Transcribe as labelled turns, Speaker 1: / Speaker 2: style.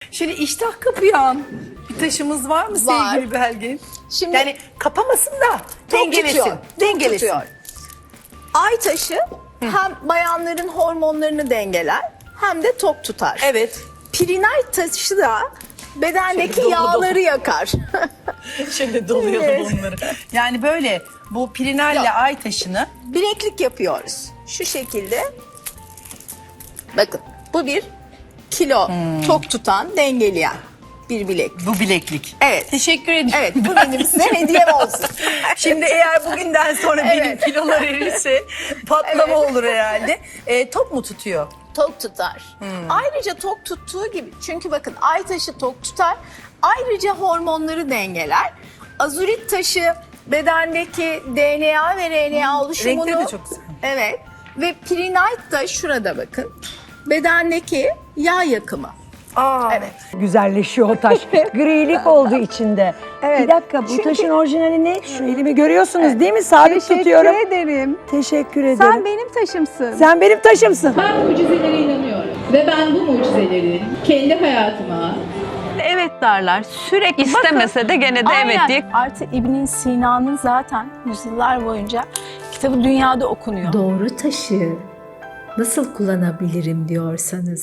Speaker 1: Şöyle iştah kapayan bir taşımız var mı
Speaker 2: Var.
Speaker 1: sevgili Belgin?
Speaker 2: Şimdi
Speaker 1: Yani kapamasın da
Speaker 2: tok
Speaker 1: dengelesin.
Speaker 2: tutuyor, tok
Speaker 1: Dengelesin.
Speaker 2: tutuyor. Ay taşı hem bayanların hormonlarını dengeler hem de tok tutar.
Speaker 1: Evet.
Speaker 2: Pirinay taşı da bedendeki
Speaker 1: Şöyle dolu
Speaker 2: yağları
Speaker 1: dolu.
Speaker 2: yakar.
Speaker 1: Şöyle doluyordu
Speaker 2: Evet.
Speaker 1: bunları. Yani böyle bu pirinalle
Speaker 2: Yok.
Speaker 1: ay taşını
Speaker 2: Bileklik yapıyoruz. Şu şekilde. Bakın bu bir kilo tok tutan, dengeleyen bir bileklik.
Speaker 1: bu bileklik.
Speaker 2: Evet.
Speaker 1: Teşekkür ederim.
Speaker 2: Evet, bu benim size hediyem olsun.
Speaker 1: Şimdi eğer bugünden sonra benim
Speaker 2: Evet.
Speaker 1: kilolar erirse patlama olur herhalde. Top mu tutuyor?
Speaker 2: Tok tutar. Ayrıca tok tuttuğu gibi, çünkü bakın ay taşı tok tutar. Ayrıca hormonları dengeler. Azurit taşı bedendeki DNA ve RNA oluşumunu...
Speaker 1: Renkleri de çok güzel.
Speaker 2: Evet. Ve pirinayt da şurada bakın. Bedendeki yağ yakımı.
Speaker 1: Aa.
Speaker 2: Evet.
Speaker 3: Güzelleşiyor o taş. Grilik oldu içinde.
Speaker 4: Evet.
Speaker 3: Bir dakika, bu
Speaker 4: Çünkü-
Speaker 3: taşın orijinali ne? Şu elimi görüyorsunuz değil mi? Sabit tutuyorum.
Speaker 4: Teşekkür ederim.
Speaker 3: Teşekkür ederim.
Speaker 4: Sen benim taşımsın.
Speaker 3: Sen benim taşımsın.
Speaker 5: Ben mucizelere inanıyorum ve ben bu mucizeleri kendi hayatıma
Speaker 6: Evet derler. Sürekli istemese de gene de evet diye.
Speaker 4: Artı İbn Sina'nın zaten yüzyıllar boyunca kitabı dünyada okunuyor.
Speaker 7: Doğru taşı nasıl kullanabilirim diyorsanız